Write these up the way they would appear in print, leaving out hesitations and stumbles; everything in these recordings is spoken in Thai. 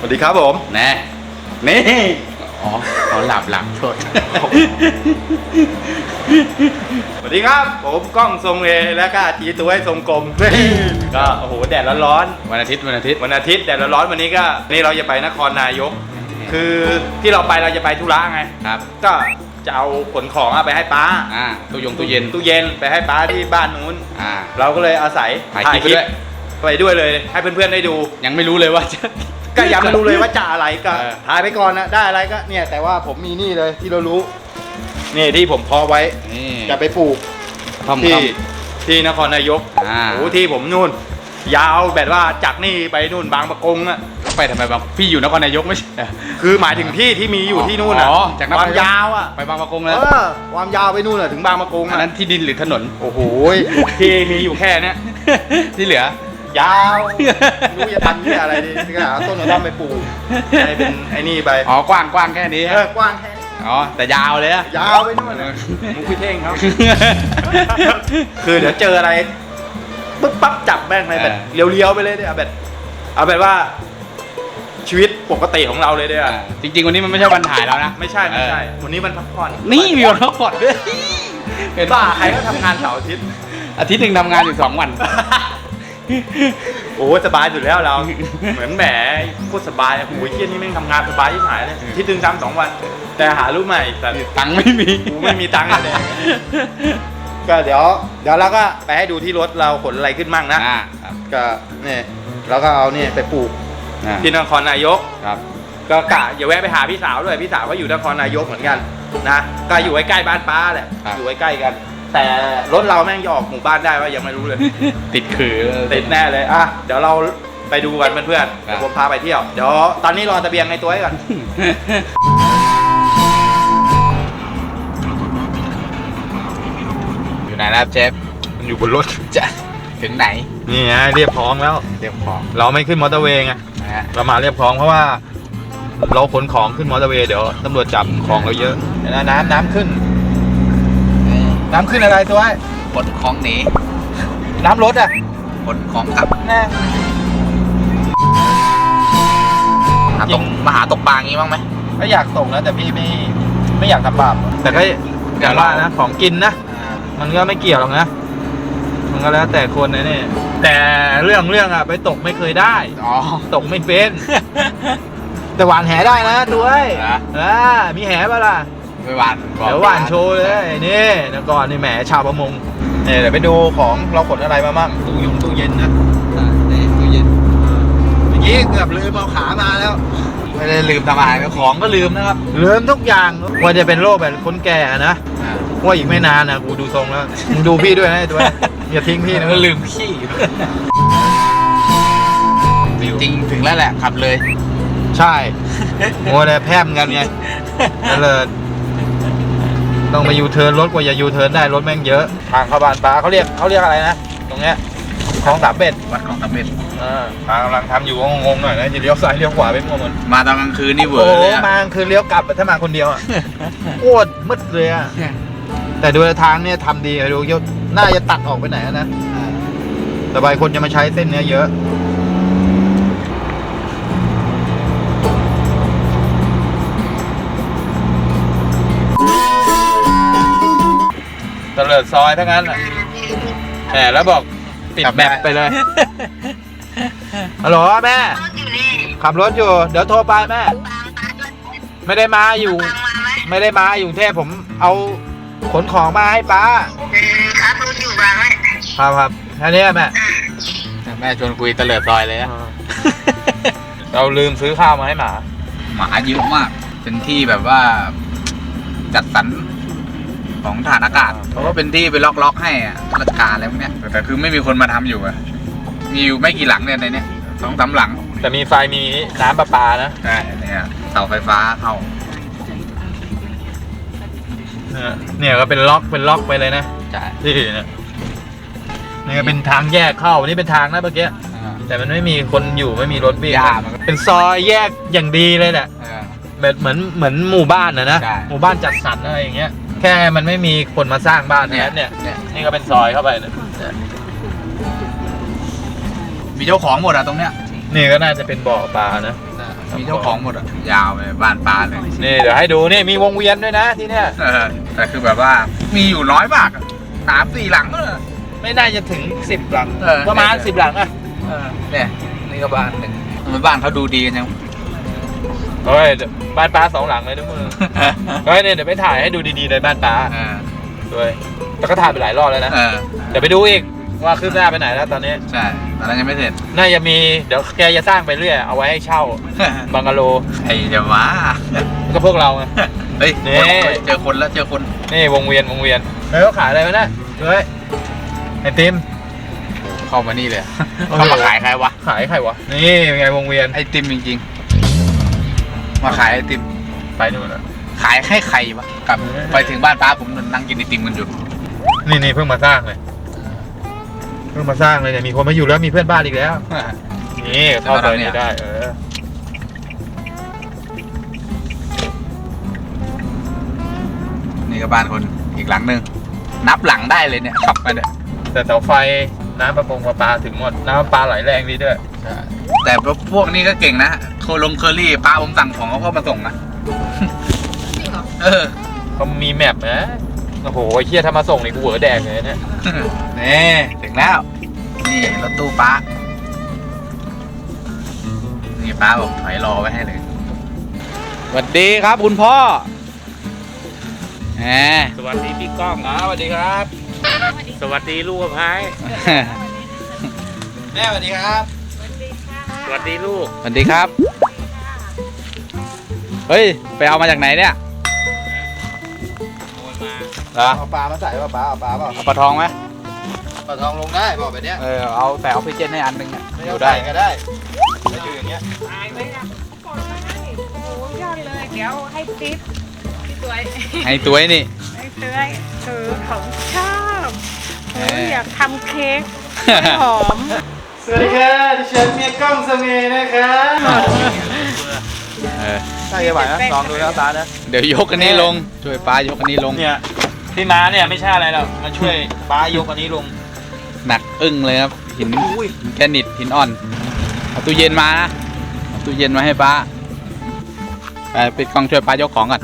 สดีครับผมแน่นี่อ๋อหลับโทษสวัสดีครับผมก้องทรงเอและก็จีตัวให้ทรงกลม ก็โอ้โหแดดร้อนวันอาทิตย์ๆวันอาทิตย์แดดร้อนๆวันนี้ก็นี่เราจะไปนครนายก คือที่เราจะไปธุระไงครับก็จะเอาขนของไปให้ป้าตู้เย็นตู้เย็นไปให้ป้าที่บ้านนู้นอ่าเราก็เลยอาศัยถ่ายคลิปไปด้วยไปด้วยเลยให้เพื่อนๆได้ดูยังไม่รู้เลยว่าจะก็ยังไม่รู้เลยว่าจะอะไรก็เออถ่ายไปก่อนนะได้อะไรก็เนี่ยแต่ว่าผมมีนี่เลยที่เรารู้นี่ที่ผมเพาะไว้นี่จะไปปลูกท่อมที่นครนายกอ่าโอ้ที่ผมนู่น ยาวแบบว่าจากนี่ไปนู่นบางปะกงอะไปทำไมบางพี่อยู่นครนายกไม่ใช่คือหมายถึงที่มีอยู่ที่นู่นอะอ๋อจากนครความยาวอะไปบางปะกงเอแล้วอความยาวไปนู่นอะถึงบางปะกงอันอะนั้นที่ดินหรือถนนโอ้โหที่มีอยู่แค่เนี้ยที่เหลือยาวไม่รู้จะทำที่อะไรดีก็หาต้นกระท่อมไปปลูกให้เป็นไอ้นี่ไปอ๋อกว้างแค่นี้กว้างแค่อ๋อแต่ยาวเลยอะยาวไปนู่นนะมุกพี่เท่งครับ คือเดี๋ยวเจออะไรปึ๊บปั๊บจับแม่งเลยแบบเลี้ยวๆไปเลยเนี่ยเอาแบบว่า ชีวิตปกติของเราเลยเนี่ยจริงๆวันนี้มันไม่ใช่วันถ่ายแล้วนะไม่ใช่วันนี้มันพักผ่อนนี่มีวันพักผ่อนด้วยเป็นบ้าใครก็ทำงานเสาร์อาทิตย์อาทิตย์หนึ่งทำงานอยู่2 วันโอ้สบายสุดแล้วเรา เหมือนแหมโคตรสบายโอ้ยเที่ยนี่แม่งทำงานสบายที่หายเลยที่ตึงซ้ำ2 วัน แต่หาลูกใหม่แต่ตังค์ไม่มีกูไม่มีตังค์เลยก็เดี๋ยวเราก็ไปให้ดูที่รถเราขนอะไรขึ้นมั่งนะครับก็เนี่ยเราก็เอาเนี่ยไปปลูกที่นครนายกครับก็กะอย่าแวะไปหาพี่สาวด้วยพี่สาวก็อยู่นครนายกเหมือนกันนะก็อยู่ใกล้ๆบ้านป้าแหละอยู่ใกล้ๆกัน แต่รถเราแม่งจะออกหมู่บ้านได้ว่ายังไม่รู้เลยติดคือติดแน่เลยอ่ะเดี๋ยวเราไปดูกันเพื่อนๆเดี๋ยวผมพาไปเที่ยวเดี๋ยวตอนนี้รอตะเบียงในตัวให้ก่อนอยู่ไหนแล้วเจฟมันอยู่บนรถจะถึงไหนนี่ไงเรียบพร้อมแล้วเรียบของเราไม่ขึ้นมอเตอร์เวย์ไงนะฮะเรามาเรียบพร้อมเพราะว่าเราขนของขึ้นมอเตอร์เวย์เดี๋ยวตำรวจจับของเราเยอะเดี๋ยวนะน้ำขึ้นอะไรตัวไอ้ขนของหนีน้ำรถอ่ะขนของกลับแน่มาหาตกปลางี้บ้างไหมก็อยากตกนะแต่พี่ไม่อยากทำบาปแต่ก็อย่างว่านะของกินนะมันก็ไม่เกี่ยวหรอกนะมันก็แล้วแต่คนนะเนี่ยแต่เรื่องอ่ะไปตกไม่เคยได้อ๋อตกไม่เป็น แต่หวานแหได้นะตัวไอ้นะมีแหป่ะล่ะไปหวานเดี๋ยวหวานโชว์เลยนี่นะก่อนนี่แหมชาวประมงเนี่ยเดี๋ยวไปดูของเราขนอะไรมาบ้างตู้เย็นนะนี่ตู้เย็นเมื่อกี้เกือบลืมเอาขามาแล้วไม่ได้ลืมทำอาหารก็ของก็ลืมนะครับลืมทุกอย่างว่าจะเป็นโรคแบบคนแก่นะว่าอีกไม่นานนะกูดูทรงแล้วมึงดูพี่ด้วยนะไอ้ตัวอย่าทิ้งพี่นะก็ลืมขี้จริงๆถึงแล้วแหละขับเลยใช่โง่เลยแพร่มกันไงนั่นเลยต้องไปยูเทิร์นรถกว่าจะยูเทิร์นได้รถแม่งเยอะทางเข้าบ้านป้าเขาเรียกอะไรนะตรงเนี้ยคลองสามเบ็ดวัดของตะเบ็ดป้ากำลังทำอยู่ก็งงๆหน่อยนะจะเลี้ยวซ้ายเลี้ยวขวาไปมั่วหมดมาตอนกลางคืนนี่เวอโอ้ร์เลยอะมาคือเลี้ยวกลับถ้ามาคนเดียวอ่ะโคตรมืดเลยอ่ะแต่ดูทางเนี่ยทำดีดูเยอะน่าจะตัดออกไปไหนนะแต่บางคนจะมาใช้เส้นเนี้ยเยอะตะเลิดซอยทั้งนั้นอ่ะแหมแล้วบอกปิดแมปไปเลยฮัลโหลแม่ขับรถอยู่เดี๋ยวโทรไปแม่ไม่ได้มาอยู่กรุงเทพผมเอาขนของมาให้ป้าครับรถอยู่บ้างไหมครับแค่นี้แม่แม่ชวนคุยตะเลิดซอยเลยอะเราลืมซื้อข้าวมาให้หมาหมาเยอะมาก เป็นที่แบบว่าจัดสรรของฐานอากาศเพราะว่าเป็นที่ไปล็อกให้อะราชการอะไรพวกเนี้ยแต่คือไม่มีคนมาทำอยู่อะมีอยู่ไม่กี่หลังเนี่ยในเนี้ย2-3 หลังแต่มีไฟมีน้ำประปานะใช่เนี่ยเสาไฟฟ้าเข้าเนี่ยก็เป็นล็อกไปเลยนะใช่ที่เนี่ยนี่ก็เป็นทางแยกเข้านี่เป็นทางนะเมื่อกี้แต่มันไม่มีคนอยู่ไม่มีรถวิ่งเป็นซอยแยกอย่างดีเลยแหละแบบเหมือนหมู่บ้านนะหมู่บ้านจัดสรรอะไรอย่างเงี้ยแค่มันไม่มีคนมาสร้างบ้านเนี่ยนี่ก็เป็นซอยเข้าไปนะมีเจ้าของหมดอะตรงเนี้ยนี่ก็น่าจะเป็นบ่อปลานะมีเจ้าของหมดอ่ะยาวไปบ้านปลาเลยนี่เดี๋ยวให้ดูนี่มีวงเวียนด้วยนะที่เนี่ยแต่คือแบบว่ามีอยู่น้อยมาก3-4 หลังเลยไม่น่าจะถึง10 หลังเออประมาณ10 หลังอะเนี่ยนี่ก็บ้านหนึ่งทำไมบ้านเขาดูดีกันจังเฮ้ยบ้านป้า2 หลังเลยนะมึงเฮ้ยเนี่ยเดี๋ยวไปถ่ายให้ดูดีๆเลยบ้านป้าด้วยแต่ก็ถ่ายไปหลายรอบแล้วนะเดี๋ยวไปดูอีกว่าคืบหน้าไปไหนแล้วตอนนี้ใช่ตอนนั้นยังไม่เสร็จน่าจะมีเดี๋ยวแกจะสร้างไปเรื่อยเอาไว้ให้เช่าบังกะโลไอ้จะว่าก็พวกเราไงเฮ้ยนี่เจอคนแล้วเจอคนนี่วงเวียนแล้วเขาขายอะไรวะเนี่ยเฮ้ยไอติมเข้ามานี่เลยเขามาขายใครวะขายใครวะนี่เป็นไงวงเวียนไอติมจริงๆมาขายไอติมไปนู่นแล้วขายให้ใครวะกลับไปถึงบ้านป้าผมนั่งกินไอติมกันอยู่นี่เพิ่งมาสร้างเลยเนี่ยมีคนมาอยู่แล้วมีเพื่อนบ้านอีกแล้วนี่เข้าไปนี่ได้นี่ก็บ้านคนอีกหลังหนึ่งนับหลังได้เลยเนี่ยขับมาเนี่ยแต่เสาไฟน้ำประปาถึงหมดน้ำประปาไหลแรงดีด้วยแต่พวกนี้ก็เก่งนะเคอรี่ป้าผมสั่งของเขาก็มาส่งนะจริงเหรอเขามีแมปนะโอ้โหไอ้เหี้ยถ้ามาส่งนี่กูเหวอแดกเลยเนี่ยนี่ถึงแล้วนี่รถตู้ป้านี่ป้าบอกถอยรอไว้ให้เลยสวัสดีครับคุณพ่อแหมสวัสดีพี่ก้องสวัสดีครับสวัสดีลูกพายแม่สวัสดีครับสวัสดีลูกสวัสดีครับเฮ้ยไปเอามาจากไหนเนี่ยโอนมาเหรอเอาปลามาใส่ป่ะปลาเอาปลาเปล่าเอาปลาทองไหมปลาทองลงได้บอกแบบเนี้ยเอาแต่ออกซิเจนให้อันหนึงอ่ะไม่อยู่ได้ได้ก็ได้ถ้าอยู่อย่างเงี้ยตายไปนะกดมาให้โอ้ยอดเลย เดี๋ยวให้ติ๊บพี่สวยให้ตัวไอ้นี่ให้เตื้อยของชอบโอ้ยอยากทำเค้กหอมสวัสดีครับดิฉันเมียกล้องสเมย์นะครับใช่ไหมนะลองดูแล้วตานะเดี๋ยวยกอันนี้ลงช่วยป้ายกอันนี้ลงเนี่ยที่ม้าเนี่ยไม่ใช่อะไรหรอกมาช่วยป้ายกอันนี้ลงหนักอึ้งเลยครับหินแกรนิตหินอ่อนเอาตู้เย็นมานะเอาตู้เย็นมาให้ป้าไปปิดกล้องช่วยป้ายกของก่อน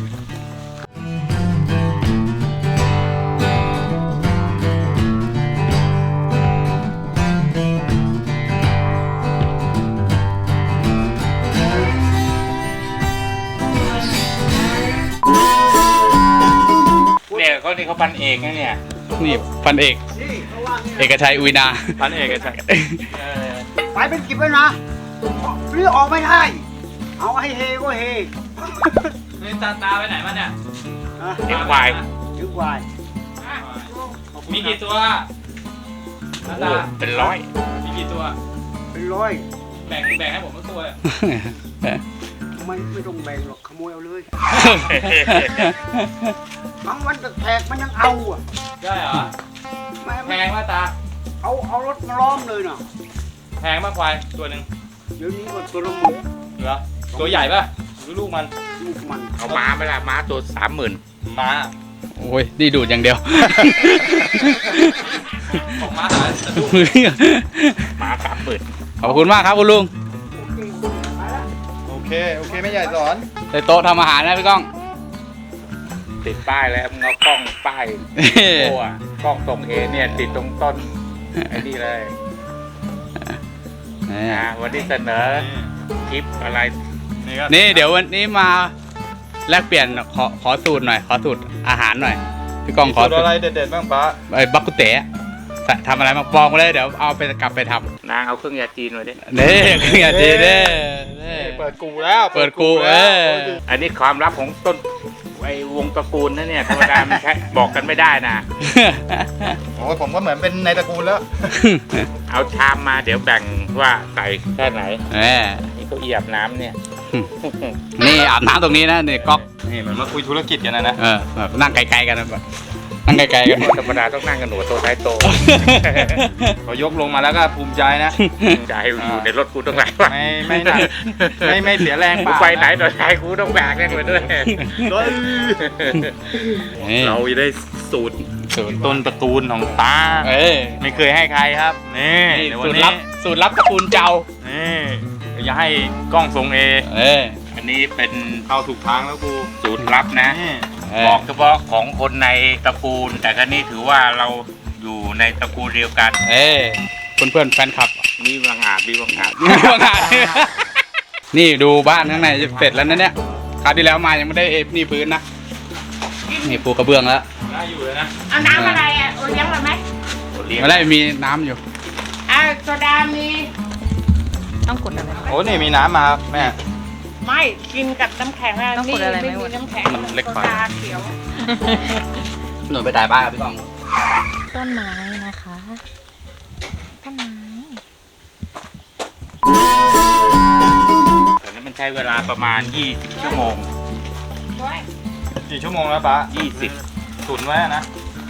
เนี่ยเขานี่เขาพันเอกนะเนี่ยนี่พันเอกเอกชัยอุยนาพันเอกใช่ไปเป็นกิบแล้วนะเรือออกไม่ได้ เอาให้เฮก็เฮนี่ตาไปไหนมาเนี่ยนะเอกควายถึงวายมีกี่ตัวโอ้เป็นร้อยมีกี่ตัวเป็นร้อยแบ่งให้ผมสักตัวไม่ต้องแบ่งหรอกขโมยเอาเลยบางวันแขกมันยังเอาอ่ะได้เหรอแม่แพงว่าตาเอารถมาล้อมเลยนะแพงมากควายตัวหนึ่งเดี๋ยวนี้ก็ตัวละหมื่นเหรอตัวใหญ่ป่ะหรือลูกมันลูกมันเอาม้าไปละม้าตัว30,000 ม้าโอ้ยนี่ดูดอย่างเดียวของม้าหาสะดุ้งม้า30,000 ขอบคุณมากครับคุณลุงโอเคไม่ใหญ่สอนใส่โต๊ะทำอาหารนะพี่ก้องติดป้ายแล้วมึงเอากล้องป้ายโอ้อะกล้องส่งเอเนี่ยติดตรงต้นไอ้นี่เลยวันนี้เสนอคลิปอะไรนี่เดี๋ยววันนี้มาแลกเปลี่ยนขอสูตรหน่อย ขอสูตรอาหารหน่อย พี่ก้องขอสูตรอะไรเด็ดๆบ้างป้าบักกุเตะทำอะไรมาปองมาเลยเดี๋ยวเอาไปกลับไปทนางเอาเครื่องยาจีนมาดิำนี่คืออย่างดีเด้เปิดกูแล้วเปิดกูอันนี้ความลับของต้นไอ้วงตระกูลนะเนี่ยธรรมดามันใช้บอกกันไม่ได้นะโอ้ผมก็เหมือนเป็นในตระกูลแล้วเอาชามมาเดี๋ยวแบ่งว่าใส่แค่ไหนแหมนี่เขาเอียบน้ำเนี่ยนี่อาบน้ำตรงนี้นะนี่ก๊อกนี่เหมือนมาคุยธุรกิจกันนะแบบนั่งไกลๆกันนะแบบนั่งไกลๆกันธรรมดาต้องนั่งกันหนูโตท้ายโตพอยกลงมาแล้วก็ภูมิใจนะจะให้อยู่ในรถกูต้องไหนวะไม่หนักไม่เสียแรงกูไปไหนต่อไหนกูต้องแบกแน่เลยด้วยเราได้สูตรต้นตระกูลของตา ไม่เคยให้ใครครับนี่เดี๋ยววันนี้สูตรลับตระกูลเจ้านี่อย่าให้กล้องทรงเออันนี้เป็นเข้าถูกทางแล้วกูสูตรลับนะนี่บอกเฉพาะของคนในตระกูล แต่ครั้นี้ถือว่าเราอยู่ในตระกูลเดียวกันเพื่อนๆแฟนคลับมีบางอาจมีบางอาจนี่ดูบ้านข้างในจะเสร็จแล้วนะเนี่ยคราวที่แล้วมายังไม่ได้นี่พื้นนะนี่ปูกระเบื้องแล้วได้อยู่เลยนะเอาน้ำอะไรอ่ะโอเลี้ยงเราไหมไม่ได้มีน้ำอยู่โซดามีต้องกดอะไรโอ้นี่มีน้ำมาครับแม่ไม่กินกับน้ำแข็งอะต้องกดอะไรไหมไม่มีน้ำแข็งมันเล็กไปโซดาเขียวหนูไปถ่ายบ้านกับพี่กองต้นไม้นะคะต้นไม้แต่นั้นมันใช้เวลาประมาณ 20 ชั่วโมงกี่ชั่วโมงแล้วป้า 20 ตุ๋นไว้นะ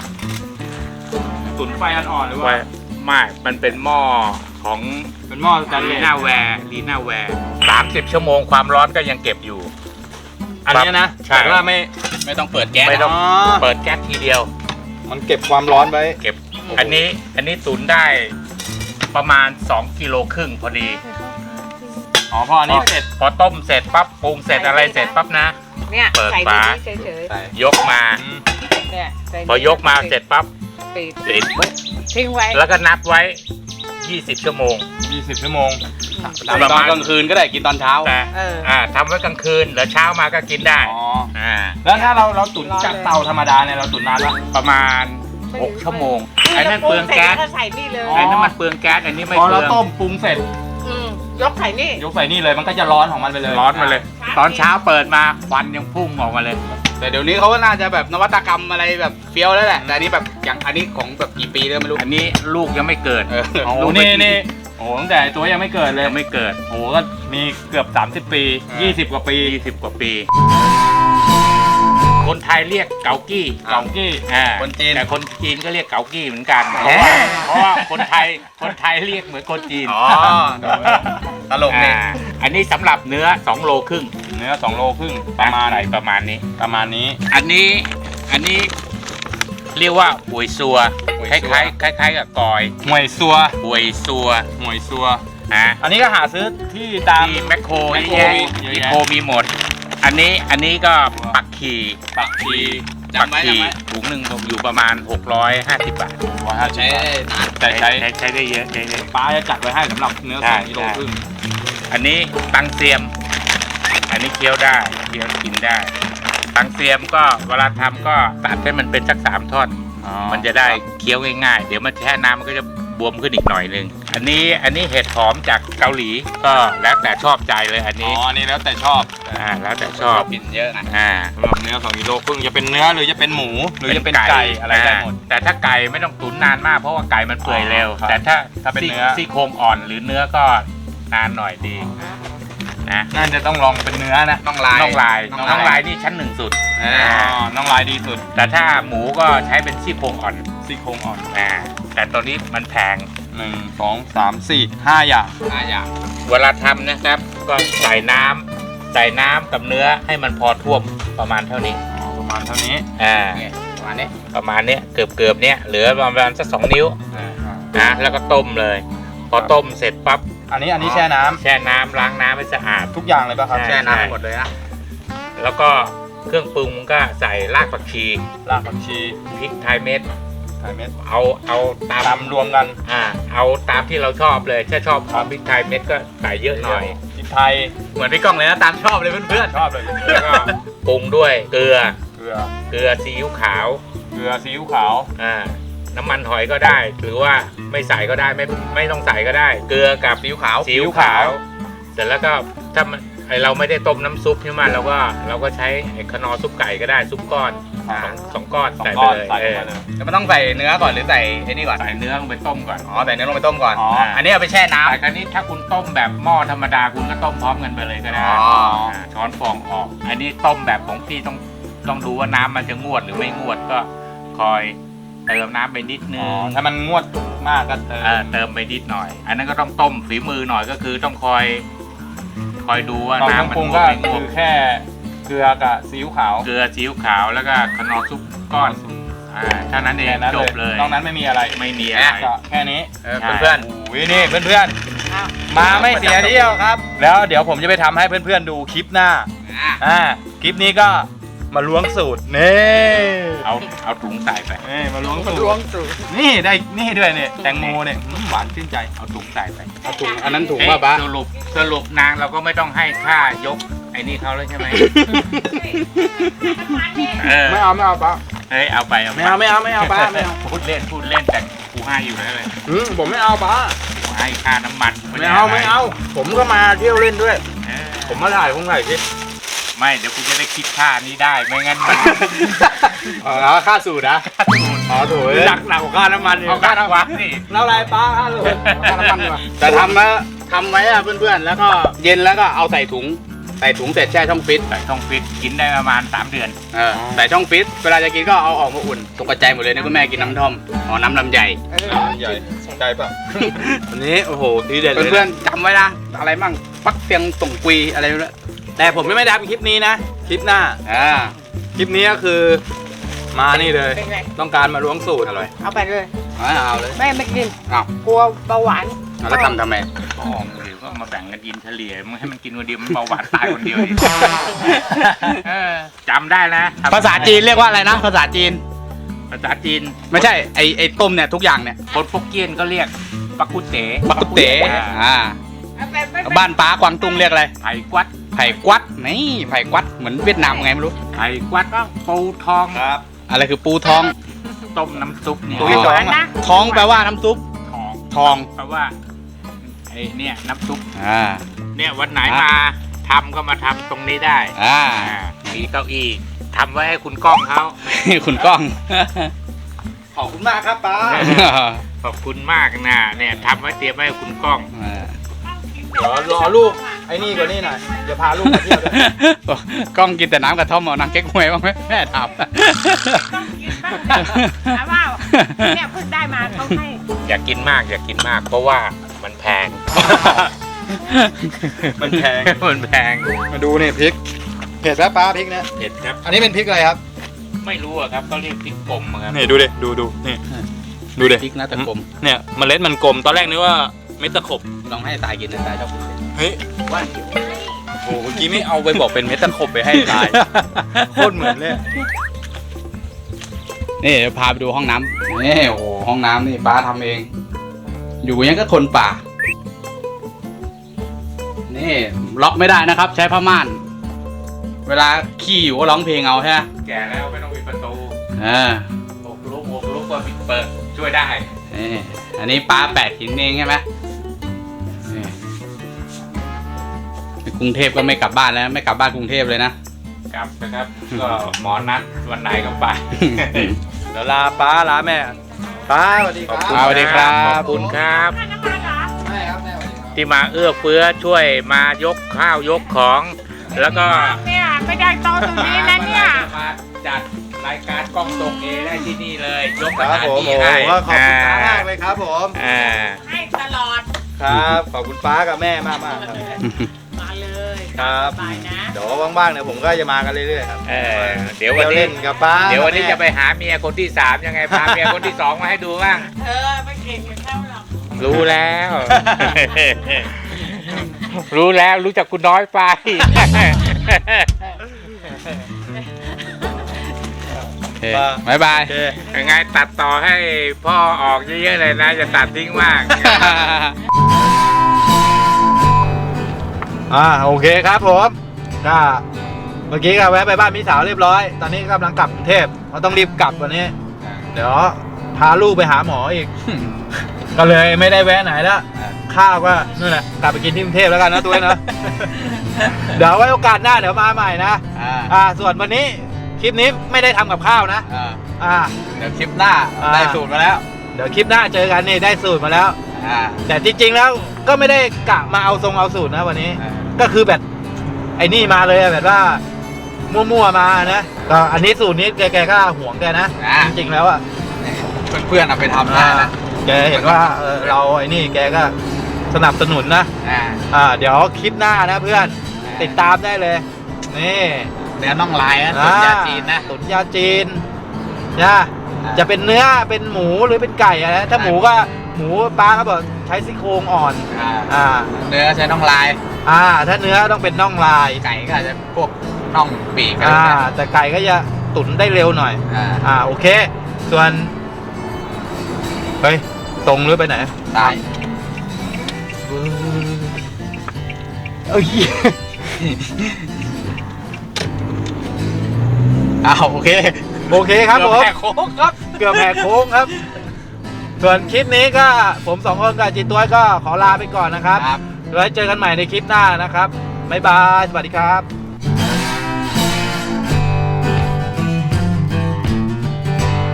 ตุ๋นไฟอ่อนๆหรือว่าว่าไม่มันเป็นหม้อของเป็นหม้อสแตนเลลีสน่าแวร์30 ชั่วโมงความร้อนก็ยังเก็บอยู่อันเนี้ยนะใช่แต่ว่าไม่ไม่ต้องเปิดแก๊สไม่ต้องอ๋อเปิดแก๊สทีเดียวมันเก็บความร้อนไว้เก็บ อันนี้ตุ๋นได้ประมาณ2กิโลครึ่งพอดีอ๋อพออันนี้เสร็จพอต้มเสร็จปั๊บปรุงเสร็จอะไรเสร็จปั๊บนะเนี่ยเปิดใส่ฝาในนี้เฉยยกมาๆเนี่ยใส่ในนี้พอยกมาเสร็จปั๊บปิดปิดทิ้งไว้แล้วก็นับไว้ 20 ชั่วโมง 20 ชั่วโมงกินตอนกลางคืนก็ได้กินตอนเช้าแต่เออทำไว้กลางคืนแล้วเช้ามาก็กินได้อ๋อาแล้วถ้าเราตุ๋นจากเตาธรรมดาเนี่ยเราตุ๋นนานปะประมาณ 6 ชั่วโมงไอ้นั่นเปลืองแก๊สล้วก็ใส่นี่เลยอ๋อไอ้นั่นมันเปลืองแก๊สอันนี้ไม่พอเปลืเราองต้มปรุงเสร็จมยกใส่นี่ยกใส่นี่เลยมันก็จะร้อนของมันไปเลยร้อนมาเลย ตอนเช้าเปิดมาควันยังพุ่งออกมาเลยแต่เดี๋ยวนี้เขาก็น่าจะแบบนวัตกรรมอะไรแบบเฟี้ยวแล้วแหละ แต่อันนี้แบบอย่างอันนี้ของแบบกี่ปีแล้วไม่รู้อันนี้ลูกยังไม่เกิดโอ้โหลูกไม่นี่โอ้โหตั้งแต่ตัวยังไม่เกิดเลยยังไม่เกิดโอ้โหก็มีเกือบ30 ปี 20 กว่าปี 20 กว่าปี คนไทยเรียกเกากี้เกากี้คนจีนแต่คนจีนก็เรียกเกากี้เหมือนกันแหมเพราะว่าคนไทยเรียกเหมือนคนจีนอ๋อตลกนี่อันนี้สำหรับเนื้อ2โลครึ่งเนื้อ2 โลครึ่งประมาณใส่ประมาณนี้ประมาณนี้อันนี้เรียกว่าหวยซัวหวยคซัวล้ายๆกับกอยหวยซัวหวยซัวหวยซัวฮะอันนี้ก็หาซื้อที่ตามที่แมคโครแมคเยอะโครแยะเยอะแยะแมคโครมีหมด อันนี้ก็ปักขีปักชีปักขีถุงหนึ่งอยู่ประมาณ650 บาทใช้ได้นานแต่ใช้ใช้ได้เยอะใช้ได้ป้าจะจัดไว้ให้สำหรับเนื้อใช่ 2 กิโลครึ่งอันนี้ตังเซียม อันนี้เคี้ยวได้เคี้ยวกินได้ ตังเซียมก็เวลาทำก็ตัดให้มันเป็นสัก3 ท่อน มันจะได้เคี้ยวง่ายๆ เดี๋ยวมันแช่น้ำมันก็จะบวมขึ้นอีกหน่อยนึง อันนี้เห็ดหอมจากเกาหลีก็แล้วแต่ชอบใจเลยอันอ๋นี้ออันนี้แล้วแต่ชอบแล้วแต่ชอบกินเยอะนะสำหรับเนื้อ2 กิโลครึ่งจะเป็นเนื้อหรือจะเป็นหมูหรือจะเป็นไก่อะไรได้หมดแต่ถ้าไก่ไม่ต้องตุ๋นนานมากเพราะว่าไก่มันเปื่อยเร็วครับแต่ถ้าถ้าเป็นเนื้อซี่โครงอ่อนหรือเนื้อก็นานหน่อยดีนะน่าจะต้องลองเป็นเนื้อนะน้องลายน่องลายน่น่ออง งลาลาย ยนี่ชั้น1สุดอ๋อน้องลายดีสุดแต่ถ้าหมูก็ใช้เป็นซี่โครงอ่อนซี่โครงอ่อนแต่ตัวนี้มันแพง 1 2 3 4 5 อย่างอย่างเวลาทำนะครับก็ใส่น้ำกับเนื้อให้มันพอท่วมประมาณเท่านี้อ๋อประมาณเท่านี้ประมาณนี้ประมาณเนี้ยเกือบเนี้ยเหลือประมาณสัก2 นิ้วแล้วก็ต้มเลย พอต้มเสร็จปั๊บอันนี้แช่น้ำแช่น้ำล้างน้ำให้สะอาดทุกอย่างเลยป่ะครับใช่แช่น้ำหมดเลยนะแล้วก็เครื่องปรุงก็ใส่รากผักชีรากผักชีพริกไทยเม็ดไข่เม็ดเอาตามตำรวมกันเอาตามที่เราชอบเลยถ้าชอบพริกไทยเม็ดก็ใส่เยอะหน่อยพริกไทยเหมือนพี่ก้องเลยนะตามชอบเลยเพื่อนชอบเลยแล้วก็ปรุงด้วยเกลือเกลือซีอิ๊วขาวเกลือซีอิ๊วขาวน้ำมันหอยก็ได้หรือว่าไม่ใส่ก็ได้ไม่ต้องใส่ก็ได้ เกลือกับๆซีอิ๊วขาวซีอิ๊วขาว เสร็จแล้วก็ถ้าเราไม่ได้ต้มน้ำซุปใช่ไหมเราก็ใช้ไอ้ขนอซุปไก่ก็ได้ซุปก้อนสองก้อน 2 ใส่ก้ไปอนเลยใส่ลงมาเลยแล้วมันต้องใส่เนื้อก่อนหรือใส่ไอ้นี่ก่อนใส่เนื้อลงไปต้มก่อนอ๋อใส่เนื้อลงไปต้มก่อนอ๋ออันนี้เอาไปแช่น้ำแต่คราวนี้ถ้าคุณต้มแบบหม้อธรรมดาคุณก็ต้มพร้อมกันไปเลยก็ได้อ๋อช้อนฟองออก อันนี้ต้มแบบของพี่ต้องดูว่าน้ำมันจะงวดหรือไม่งวดก็คอยเติมน้ำไปนิดนึอ๋อง ถ้ามันงวดมากก็เติมไปนิดหน่อย อันนั้นก็ต้องต้มฝีมือหน่อยก็คือต้องคอยดูว่าตอนน้ำมันปรุงงวก็ดไม่งวคืดอแค่เกลือกับซีอิ๊วขาวเกลือซีอิ๊วขาวแล้วก็ขนอซุปก้อนเท่านั้นเองแค่นั้นจบเลยนอกนั้นไม่มีอะไรไม่มีอะไรก็แค่นี้เพื่อนโอ้ยนี่เพื่อนมาไม่เสียเที่ยวครับ แล้วเดี๋ยวผมจะไปทำให้เพื่อนๆดูคลิปหน้าคลิปนี้ก็มาล้วงสูตรนี่เอาถุงใส่ไปนี่มาล้วงสูตรนี่ได้นี่ด้วยเนี่ยแตงโมเนี่ยหวานชื่นใจเอาถุงใส่ไปเอาถุงอันนั้นถุงเอ๊ะป่ะป้าสรุปนางเราก็ไม่ต้องให้ค่ายกไอ้นี่เขาเลยใช่ไหมเออไม่เอาป้าเฮ้ยเอาไปไม่เอาป้าไม่เอาพูดเล่นแต่กูให้อยู่แล้วเลยผมไม่เอาป้ากูให้ค่าน้ำมันไม่เอาผมก็มาเที่ยวเล่นด้วยเออผมมาถ่ายคงถ่ายคลิปไม่เดี๋ยวกูจะได้คิดค่านี้ได้ไม่งั้นมันอ๋อค่าสูตรนะอ๋อถูกหนักกว่าค่าน้ำมันเอาค่าน้ำมันนี่แล้วอะไรป้าค่าสูตรค่าน้ำมันดีกว่าแต่ทำไว้อะเพื่อนๆแล้วก็เย็นแล้วก็เอาใส่ถุงเสร็จแช่ช่องฟิตใส่ช่องฟิตกินได้ประมาณ3 เดือนใส่ช่องฟิตเวลาจะกินก็เอาออกมาอุ่นตกกระจายหมดเลยนะคุณแม่กินน้ำท่อมน้ำลำไยใหญ่ใจป่ะวันนี้โอ้โหทีเด็ดเลยเพื่อนๆจำไว้นะอะไรมั่งปักเตียงส่งกุยอะไรนั่นแหละแต่ผมไม่ได้ทำคลิปนี้นะ คลิปหน้า คลิปนี้ก็คือมานี่เลยเป็นไงต้องการมาล้วงสูตรอร่อยเอาไปเลยเอาเลยไม่กินอ้าวกลัวเบาหวานแล้วทำไมอ๋อหรือก็มาแบ่งกันกินเฉลี่ยมึงให้มันกินคนเดียวมันเบาหวานตายคนเดียวดิเออจำได้นะภาษาจีนเรียกว่าอะไรนะภาษาจีนภาษาจีนไม่ใช่ไอ้ต้มเนี่ยทุกอย่างเนี่ยคนฟกเกี้ยนก็เรียกปักกุเต๋บักกุเต๋บ้านป้ากวางตุ้งเรียกอะไรไผ่กวัดไผ่กวัดนี่ไผ่กวัดเหมือนเวียดนามไงไม่รู้ไผ่กวัดก็ปูทองครับอะไรคือปูท้องต้มน้ำซุปเนี่ยตุ้ยหวานนะท้องแปลว่าน้ำซุปทองทองแปลว่าไอ้เนี่ยน้ำซุปอ่าเนี่ยวันไหนมาทำก็มาทำตรงนี้ได้อ่ามีเก้าอี้ทำไว้ให้คุณก้องเขาคุณก้องขอบคุณมากครับป้าขอบคุณมากนะเนี่ยทำไว้เตรียมไว้ให้คุณก้องเดี๋ยวรอลูกไอ้นี่กว่านี่หน่อยอย่าพาลูกมาเที่ยวด้วยกล้องกินแต่น้ำกระท่อมเอานางเก๊กฮวยบ้างไหมแม่ถามถามว่าเนี่ยเพิ่งได้มาเขาให้อย่ากินมากเพราะว่ามันแพงมันแพงมันแพงมาดูเนี่ยพริกเผ็ดแล้วป้าพริกเนี่ยเผ็ดครับอันนี้เป็นพริกอะไรครับไม่รู้อะครับเขาเรียกพริกป่มอะครับนี่ดูดิดูนี่ดูดิพริกนะตะกลมเนี่ยเมล็ดมันกลมตอนแรกนึกว่าเม็ดตะขบลองให้ตายกินนะตายชอบกินเฮ้ยว่าโอ้เมื่อกี้ไม่เอาไปบอกเป็นเม็ดตะขบไปให้ตาย โคตรเหมือนเลยนี่เดี๋ยวพาไปดูห้องน้ำนี่โอ้โหห้องน้ำนี่ป้าทำเอง อยู่ยังก็คนป่า นี่ล็อกไม่ได้นะครับ ใช้ผ้าม่าน เวลาขี้อยู่ก็ร้องเพลงเอาใช่ไหมแก่แล้วไม่ต้องปิดประตูอ่าอกลุกก็ปิดเปิดช่วยได้นี่อันนี้ป้าแปะหินเองใช่ไหมนี่ในกรุงเทพก็ไม่กลับบ้านแล้วไม่กลับบ้านกรุงเทพเลยนะกลับนะครับ ก็หมอนัดวันไหนก็ไปเดี๋ยวลาป้าลาแม่ป้าสวัสดีครับสวัสดีครับขอบคุณครับน้ำมันเหรอแม่ครับแม่สวัสดีครับที่มาเอื้อเฟื้อช่วยมายกข้าวยกของ แล้วก็เนี่ยไม่ได้โตตรงนี้นะเนี่ยมาจัดรายการกล้องตรงเอได้ที่นี่เลย ยกคสรับถานผมที่โอ้ให้โหขอบคุณป้ามากเลยครับผมอ่าให้ตลอดครับขอบคุณป้ากับแม่มากมากครับมาเลยครับสบายนะเดี๋ยวว่างๆเนี่ยผมก็จะมากันเรื่อยๆครับเออเดี๋ยววันเที่ยวนี้เล่นกับป้าเดี๋ยววันนี้กับแม่จะไปหาเมียคนที่ 3 ยังไงพาเมียคนที่ 2 มาให้ดูบ้างไม่เก่งกับเขาหรอกรู้แล้ว รู้แล้วรู้จักคุณน้อยไปโอเคบ๊ายบายโอเคยังไงตัดต่อให้พ่อออกเยอะๆเลยนะจะตัดทิ้งมากโอเคครับผมก็เมื่อกี้ก็แวะไปบ้านพี่สาวเรียบร้อย ตอนนี้กำลังกลับกรุงเทพเราต้องรีบกลับวันนี้ เดี๋ยวพาลูกไปหาหมออีก ก็เลยไม่ได้แวะไหนแล้วข้าวก็นู่นแหละกลับไปกินที่กรุงเทพแล้วกันนะตัวเองนะ เดี๋ยวไว้โอกาสหน้าเดี๋ยวมาใหม่นะ ส่วนวันนี้คลิปนี้ไม่ได้ทำกับข้าวนะเดี๋ยวคลิปหน้าได้สูตรมาแล้วเดี๋ยวคลิปหน้าเจอกันนี่ได้สูตรมาแล้ว แต่จริงๆแล้วก็ไม่ได้กะมาเอาทรงเอาสูตรนะวันนี้ ก็คือแบบไอ้นี่มาเลยอะแบบว่ามั่วๆมานะก็อันนี้สูตรนี้แกก็ห่วงแกนะจริงๆแล้วอะเพื่อนๆเอาไปทำได้นะแกเห็นว่าเราไอ้นี่แกก็สนับสนุนนะเดี๋ยวคลิปหน้านะเพื่อนติดตามได้เลยนี่เนื้อน่องลายนะตุ๋นยาจีนนะตุ๋นยาจีนนะจะเป็นเนื้อเป็นหมูหรือเป็นไก่อะนะถ้าหมูก็หมูป้าก็บอกใช้ซี่โครงอ่อนเนื้อใช้น่องลายถ้าเนื้อต้องเป็นน่องลายไก่ก็อาจจะพวกน่องปีกอะไรแต่ไก่ก็จะตุ๋นได้เร็วหน่อย โอเค ส่วนเฮ้ยตรงหรือไปไหนตายเอ้ยโอเคโอเคครับผมแหกโค้งครับเกือบแหกโค้งครับ ส่วนคลิปนี้ก็ผม2คนกับจีตัวก็ขอลาไปก่อนนะครับครับไว้เจอกันใหม่ในคลิปหน้านะครับบ๊ายบาย สวัสดีครับ